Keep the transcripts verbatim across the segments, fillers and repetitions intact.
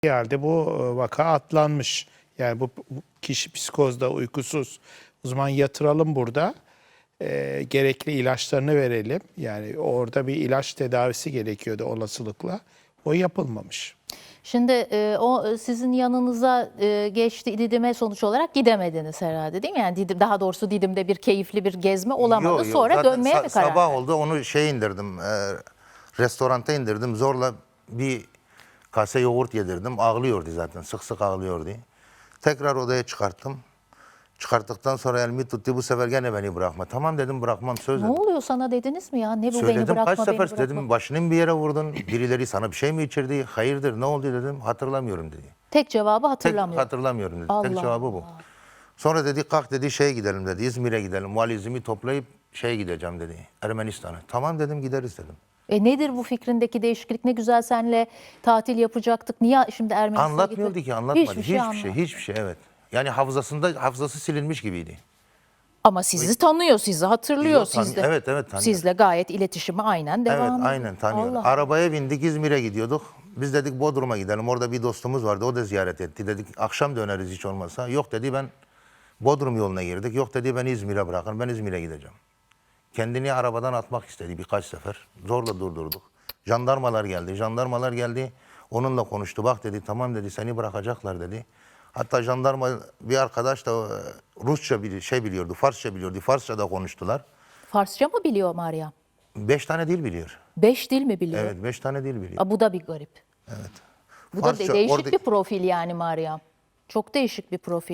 Halde bu vaka atlanmış. Yani bu, bu kişi psikozda, uykusuz. O zaman yatıralım burada. E, gerekli ilaçlarını verelim. Yani orada bir ilaç tedavisi gerekiyordu olasılıkla. O yapılmamış. Şimdi e, o sizin yanınıza e, geçti Didim'e sonuç olarak gidemediniz herhalde değil mi? Yani Didim, daha doğrusu Didim'de bir keyifli bir gezme olamadı. Yok, yok. Sonra Zaten dönmeye sa- mi karar Sabah verdiniz? oldu, onu şey indirdim, e, restoranta indirdim. Zorla bir kase yoğurt yedirdim. Ağlıyordu zaten, sık sık ağlıyordu. Tekrar odaya çıkarttım. Çıkarttıktan sonra elimi tuttu, bu sefer gene beni bırakma. Tamam dedim, bırakmam, söz Ne dedim. oluyor sana dediniz mi ya? Ne bu, beni Söyledim bırakma, kaç beni sefer bırakma. dedim, başını bir yere vurdun, birileri sana bir şey mi içirdi, hayırdır ne oldu dedim, hatırlamıyorum dedi. Tek cevabı Tek hatırlamıyorum. hatırlamıyorum dedi. Allah Tek cevabı bu. Allah. Sonra dedi kalk dedi şeye gidelim dedi, İzmir'e gidelim, valizimi toplayıp şeye gideceğim dedi, Ermenistan'a. Tamam dedim, gideriz dedim. E nedir bu fikrindeki değişiklik? Ne güzel senle tatil yapacaktık. Niye şimdi Ermenistan'a Anlatmıyordu gitmek? ki, anlatmadı. Hiçbir Hiçbir şey, şey, anlatmadı. hiçbir şey, evet. Yani hafızasında, hafızası silinmiş gibiydi. Ama sizi tanıyor, sizi hatırlıyor. Yok, tan- Sizle, evet, evet, tanıyor. Sizle gayet iletişimi aynen devam Evet, ediyor. aynen tanıyor. Allah. Arabaya bindik, İzmir'e gidiyorduk. Biz dedik Bodrum'a gidelim. Orada bir dostumuz vardı, o da ziyaret etti. Dedik akşam döneriz hiç olmazsa. Yok dedi, ben Bodrum yoluna girdik. Yok dedi, ben İzmir'e bırakın, ben İzmir'e gideceğim. Kendini arabadan atmak istedi birkaç sefer. Zorla durdurduk. Jandarmalar geldi. Jandarmalar geldi. Onunla konuştu. Bak dedi, tamam dedi, seni bırakacaklar dedi. Hatta jandarma bir arkadaş da e, Rusça bir şey biliyordu, Farsça biliyordu. Farsça da konuştular. Farsça mı biliyor Meryem? Beş tane dil biliyor. Beş dil mi biliyor? Evet, beş tane dil biliyor. Aa, bu da bir garip. Evet. Bu da Farsça, de- değişik orada- bir profil yani Meryem. Çok değişik bir profil.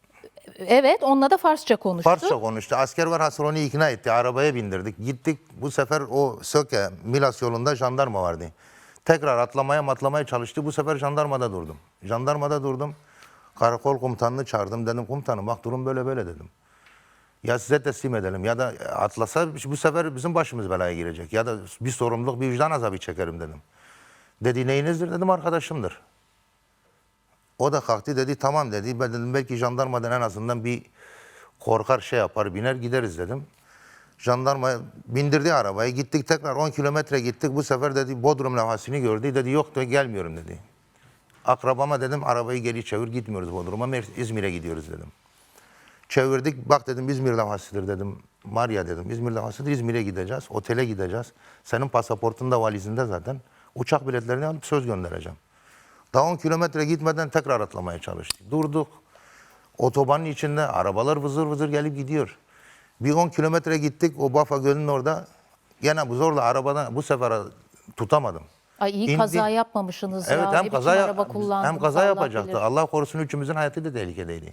Evet, onunla da Farsça konuştu. Farsça konuştu. Asker var, Hasan onu ikna etti. Arabaya bindirdik. Gittik. Bu sefer o Söke, Milas yolunda jandarma vardı. Tekrar atlamaya matlamaya çalıştı. Bu sefer jandarmada durdum. Jandarmada durdum. Karakol komutanını çağırdım. Dedim komutanım bak durum böyle böyle dedim. Ya size teslim edelim ya da atlasa bu sefer bizim başımız belaya girecek. Ya da bir sorumluluk, bir vicdan azabı çekerim dedim. Dedi neyinizdir dedim, arkadaşımdır. O da kalktı dedi tamam dedi. Ben dedim belki jandarmadan en azından bir korkar şey yapar biner gideriz dedim. Jandarma bindirdi arabaya, gittik tekrar on kilometre gittik. Bu sefer dedi Bodrum levhasını gördü, dedi yok da gelmiyorum dedi. Akrabama dedim arabayı geri çevir, gitmiyoruz Bodrum'a, İzmir'e gidiyoruz dedim. Çevirdik, bak dedim İzmir levhasıdır dedim. Maria dedim İzmir levhasıdır, İzmir'e gideceğiz, otele gideceğiz. Senin pasaportun da valizinde zaten. Uçak biletlerini alıp söz göndereceğim. Daha on kilometre gitmeden tekrar atlamaya çalıştık. Durduk. Otobanın içinde arabalar vızır vızır gelip gidiyor. Bir on kilometre gittik, o Bafa Gölü'nün orada. Gene bu zorla arabadan bu sefer tutamadım. Ay iyi İndi- kaza yapmamışsınız Evet, ya. hem Ne kaza, biçim araba kullandınız, hem kaza Allah yapacaktı. bilir. Allah korusun üçümüzün hayatı da tehlikedeydi.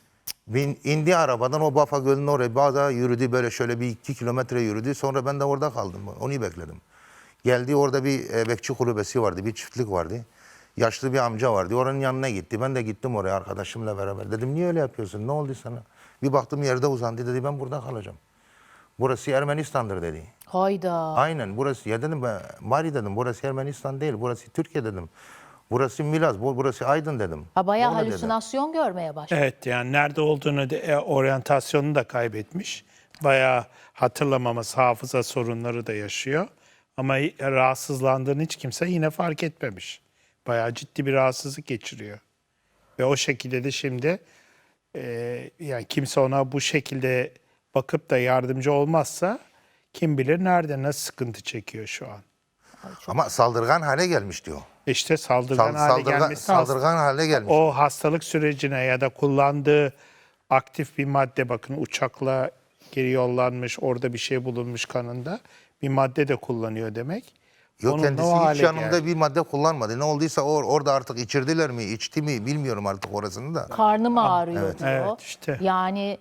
Bin, indi arabadan o Bafa Gölü'nün oraya bazı yürüdü, böyle şöyle bir iki kilometre yürüdü. Sonra ben de orada kaldım. Onu bekledim. Geldi, orada bir e, bekçi kulübesi vardı, bir çiftlik vardı. Yaşlı bir amca vardı. Oranın yanına gitti. Ben de gittim oraya arkadaşımla beraber. Dedim niye öyle yapıyorsun? Ne oldu sana? Bir baktım yerde uzandı, dedi ben burada kalacağım. Burası Ermenistan'dır dedi. Hayda. Aynen burası. Ya dedim ben Mari dedim, burası Ermenistan değil, burası Türkiye dedim. Burası Milaz, bu- burası Aydın dedim. Ha, bayağı Orada dedi. halüsinasyon görmeye başladı. Evet, yani nerede olduğunu da, e, oryantasyonunu da kaybetmiş. Bayağı hatırlamaması, hafıza sorunları da yaşıyor. Ama rahatsızlandığını hiç kimse yine fark etmemiş. Bayağı ciddi bir rahatsızlık geçiriyor. Ve o şekilde de şimdi e, yani kimse ona bu şekilde bakıp da yardımcı olmazsa kim bilir nerede, nasıl sıkıntı çekiyor şu an. Ama saldırgan hale gelmiş diyor. İşte saldırgan Sal- hale saldırgan, gelmesi saldırgan hale gelmiş. o hastalık sürecine ya da kullandığı aktif bir madde, bakın uçakla geri yollanmış, orada bir şey bulunmuş kanında, bir madde de kullanıyor demek. Yok, Onunla kendisi o hiç hale yanımda geldi. bir madde kullanmadı. Ne olduysa or, orada artık içirdiler mi, içti mi bilmiyorum artık orasını da. Karnım ağrıyor diyor. Evet, işte. Yani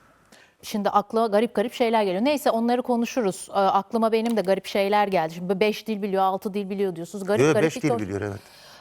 şimdi akla garip garip şeyler geliyor. Neyse onları konuşuruz. Ee, aklıma benim de garip şeyler geldi. Şimdi beş dil biliyor, altı dil biliyor diyorsunuz. Garip Yok, garip beş bir dil konu. biliyor evet.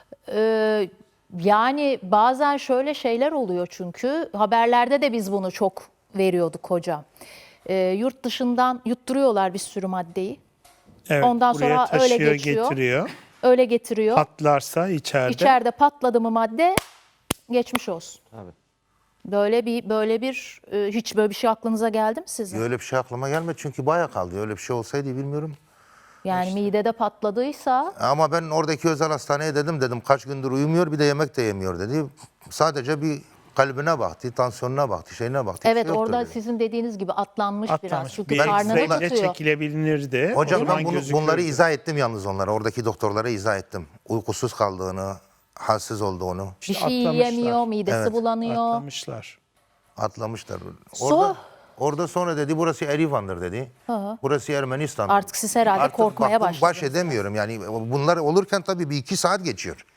Ee, yani bazen şöyle şeyler oluyor çünkü haberlerde de biz bunu çok veriyorduk hocam. Ee, yurt dışından yutturuyorlar bir sürü maddeyi. Evet, Ondan buraya sonra öyle taşıyor, geçiyor. getiriyor. Öyle getiriyor. Patlarsa içeride. İçeride patladı mı madde geçmiş olsun. Tabii. Böyle bir böyle bir e, hiç böyle bir şey aklınıza geldi mi sizin? Öyle bir şey aklıma gelmedi çünkü bayağı kaldı. Öyle bir şey olsaydı bilmiyorum. Yani midede patladıysa Ama ben oradaki özel hastaneye dedim dedim kaç gündür uyumuyor bir de yemek de yemiyor dedi. Sadece bir kalbine baktı, tansiyonuna baktı, şeyine baktı. evet Bir şey yoktur orada dedi. sizin dediğiniz gibi atlanmış, biraz. Atlamış. Çünkü Bir karnını X-ray bile tutuyor. çekilebilirdi. O Hocam zaman ben bunu, gözükürdü. bunları izah ettim yalnız onlara. Oradaki doktorlara izah ettim. Uykusuz kaldığını, halsiz olduğunu Bir İşte şey atlamışlar. yiyemiyor, midesi Evet. bulanıyor. Atlamışlar. atlamışlar. So- Orada, orada sonra dedi burası Erivan'dır dedi. Burası Ermenistan. Artık siz herhalde Artık korkmaya baktım, Baş başladınız. edemiyorum yani bunlar olurken tabii bir iki saat geçiyor.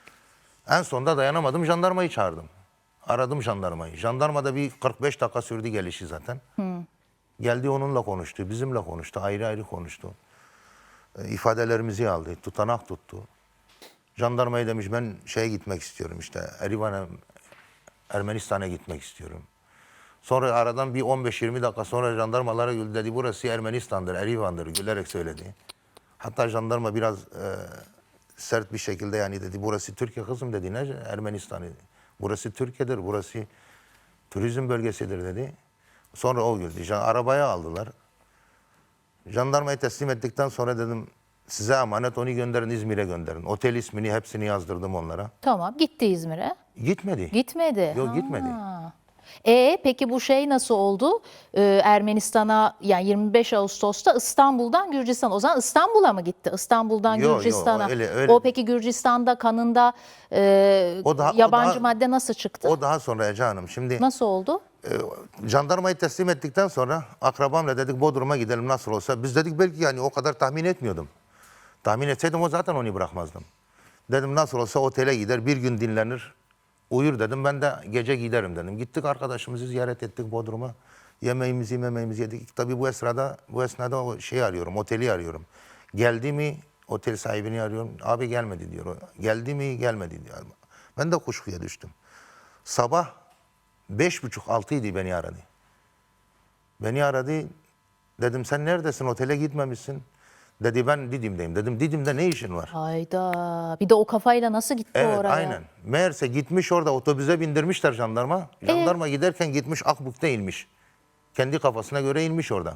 En sonunda dayanamadım jandarmayı çağırdım. Aradım jandarmayı. Jandarmada bir kırk beş dakika sürdü gelişi zaten. Geldi onunla konuştu, bizimle konuştu, ayrı ayrı konuştu. E, ifadelerimizi aldı, tutanak tuttu. Jandarmaya demiş ben şeye gitmek istiyorum işte Erivan'a, Ermenistan'a gitmek istiyorum. Sonra aradan bir on beş yirmi dakika sonra jandarmalara güldü dedi burası Ermenistan'dır, Erivan'dır gülerek söyledi. Hatta jandarma biraz e, sert bir şekilde yani dedi burası Türkiye kızım dedi ne Ermenistan'ı. Burası Türkiye'dir, burası turizm bölgesidir dedi. Sonra o güldü. Jan- Arabaya aldılar. Jandarmayı teslim ettikten sonra dedim size emanet onu gönderin İzmir'e gönderin. Otel ismini hepsini yazdırdım onlara. Tamam, gitti İzmir'e. Gitmedi. Gitmedi. Yok, gitmedi. E peki bu şey nasıl oldu? Ee, Ermenistan'a yani yirmi beş Ağustos'ta İstanbul'dan Gürcistan. O zaman İstanbul'a mı gitti? İstanbul'dan Yo, yo, Gürcistan'a. öyle- öyle. O peki Gürcistan'da kanında e, O daha- o yabancı daha- madde nasıl çıktı? O daha sonra Ece Hanım. Şimdi Nasıl oldu? jandarmayı teslim ettikten sonra akrabamla dedik Bodrum'a gidelim nasıl olsa. Biz dedik belki yani o kadar tahmin etmiyordum. Tahmin etseydim o zaten onu bırakmazdım. Dedim nasıl olsa otele gider bir gün dinlenir. Uyur dedim ben de gece giderim dedim. Gittik arkadaşımızı ziyaret ettik Bodrum'a. Yemeğimizi yemeğimizi yedik. Tabii bu esnada bu esnada o şeyi arıyorum oteli arıyorum. Geldi mi otel sahibini arıyorum. Abi gelmedi diyor. Geldi mi gelmedi diyor. Ben de kuşkuya düştüm. Sabah beş buçuk altıydı beni aradı. Beni aradı. Dedim sen neredesin otele gitmemişsin. Dedi ben Didim'deyim. Dedim Didim'de ne işin var? Hayda. Bir de o kafayla nasıl gitti Evet oraya? aynen. Meğerse gitmiş orada otobüse bindirmişler jandarma. Jandarma giderken gitmiş Akbuk'ta inmiş. Kendi kafasına göre inmiş orada.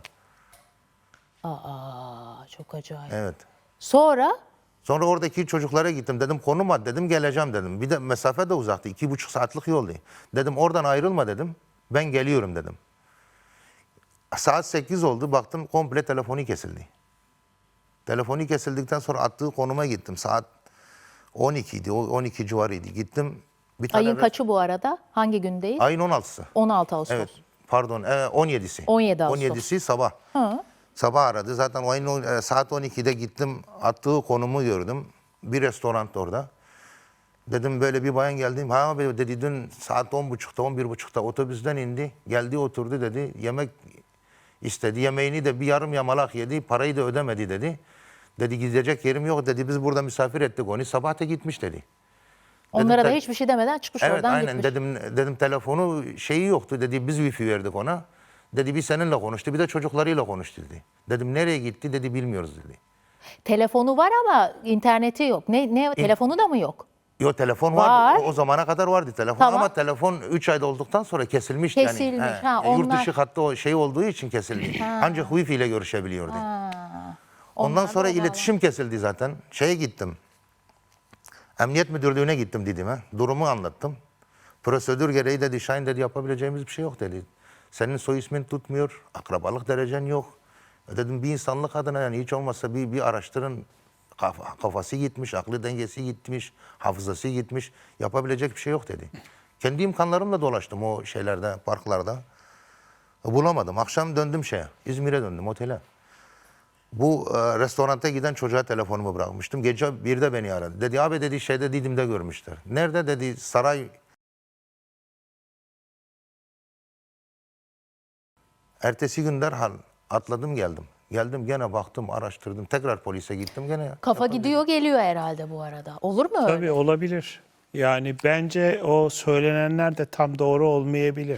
Aa, çok acayip. Evet. Sonra Sonra oradaki çocuklara gittim. Dedim konum at dedim geleceğim dedim. Bir de mesafe de uzaktı. iki buçuk saatlik yoldu. Dedim oradan ayrılma dedim. Ben geliyorum dedim. Saat sekiz oldu. Baktım komple telefonu kesildi. Telefonu kesildikten sonra attığı konuma gittim. Saat on iki idi. on iki civarıydı. Gittim. Bir tane ayın kaçı bu arada? Hangi gündeyiz? Ayın on altısı. on altı Ağustos. Evet. Pardon. E, on yedisi. on yedi Ağustos. on yedisi sabah. Hı. Sabah aradı. Zaten o ayın on- e, saat on ikide gittim. Attığı konumu gördüm. Bir restoran orada. Dedim böyle bir bayan geldim. Ha abi dedi dün saat on buçukta on bir buçukta otobüsten indi. Geldi oturdu dedi. Yemek istedi. Yemeğini de bir yarım yamalak yedi. Parayı da ödemedi dedi. Dedi gidecek yerim yok dedi. Biz burada misafir ettik onu. Sabah da gitmiş dedi. Onlara da te- hiçbir şey demeden çıkmış Evet oradan aynen gitmiş. dedim dedim telefonu şeyi yoktu dedi biz wifi verdik ona. Dedi bir seninle konuştu bir de çocuklarıyla konuştu dedi. Dedim nereye gitti dedi bilmiyoruz dedi. Telefonu var ama interneti yok. Ne ne telefonu da mı yok? Yo telefon Var. vardı. O, o zamana kadar vardı telefon Tamam. ama telefon üç ayda olduktan sonra kesilmiş Kesilmiş, yani. ha, E, Yurt onlar- dışı hattı o şey olduğu için kesildi. Ancak wifi ile görüşebiliyordu. Ondan Onlar da sonra o bağlı. iletişim kesildi zaten. Şeye gittim. Emniyet müdürlüğüne gittim Didim'e. Durumu anlattım. Prosedür gereği dedi Şahin dedi yapabileceğimiz bir şey yok dedi. Senin soy ismin tutmuyor. Akrabalık derecen yok. E dedim bir insanlık adına yani hiç olmazsa bir, bir araştırın. Kaf- Kafası gitmiş, aklı dengesi gitmiş, hafızası gitmiş. Yapabilecek bir şey yok dedi. Kendi imkanlarımla dolaştım o şeylerde, parklarda. E, bulamadım. Akşam döndüm şeye, İzmir'e döndüm otele. Bu e, restoranta giden çocuğa telefonumu bırakmıştım. Gece birde beni aradı. Dedi abi dedi şeyde Didim'de görmüşler. Nerede dedi saray. Ertesi gün derhal atladım geldim. Geldim gene baktım araştırdım. Tekrar polise gittim gene. Kafa gidiyor geliyor herhalde bu arada. Olur mu öyle? Tabii olabilir. Yani bence o söylenenler de tam doğru olmayabilir.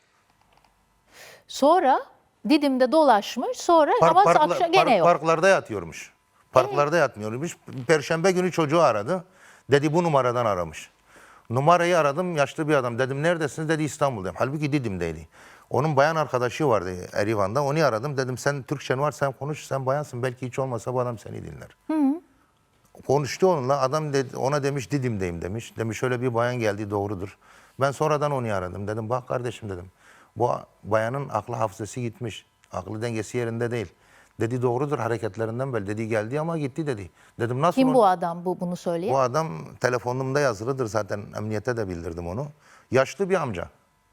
Sonra Didim'de dolaşmış. Sonra Park- ama parkla- akşam gene park- yok. Parklarda yatıyormuş. Parklarda yatmıyormuş. Perşembe günü çocuğu aradı. Dedi bu numaradan aramış. Numarayı aradım yaşlı bir adam. Dedim neredesiniz dedi İstanbul'dayım. Halbuki Didim'deydi. Onun bayan arkadaşı vardı Erivan'da. Onu aradım. Dedim sen Türkçen var, sen konuş, sen bayansın. Belki hiç olmasa bu adam seni dinler. Konuştu onunla. Adam dedi, ona demiş Didim'deyim demiş. Demiş şöyle bir bayan geldi, doğrudur. Ben sonradan onu aradım. Dedim bak kardeşim dedim. Bu bayanın aklı hafızası gitmiş. Aklı dengesi yerinde değil. Dedi doğrudur, hareketlerinden belli. Dedi geldi ama gitti dedi. Dedim nasıl Kim oldu? bu adam bu bunu söyleyen? Bu adam telefonumda yazılıdır zaten, emniyete de bildirdim onu. Yaşlı bir amca.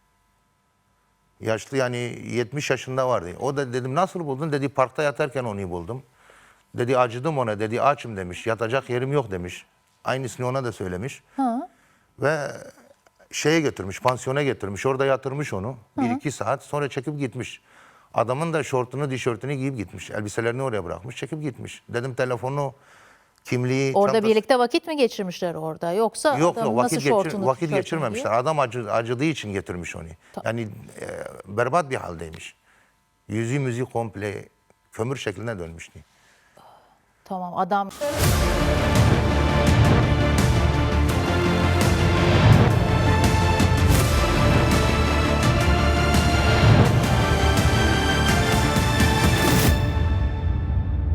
Yaşlı yani yetmiş yaşında vardı. O da dedim nasıl buldun? Dedi parkta yatarken onu buldum. Dedi acıdım ona, dedi açım demiş. Yatacak yerim yok demiş. Aynısını ona da söylemiş. Ha. Ve şeye götürmüş, pansiyona götürmüş. Orada yatırmış onu. Bir iki saat sonra çekip gitmiş. Adamın da şortunu, tişörtünü giyip gitmiş. Elbiselerini oraya bırakmış, çekip gitmiş. Dedim telefonu, kimliği, Orada çantası- birlikte vakit mi geçirmişler orada? Yoksa Yok adam yok nasıl vakit, geçir, şortunu, vakit tişörtünü geçirmemişler. giyiyor? Adam acı, acıdığı için getirmiş onu. Yani e, berbat bir haldeymiş. Yüzü müziği komple kömür şekline dönmüştü. Tamam adam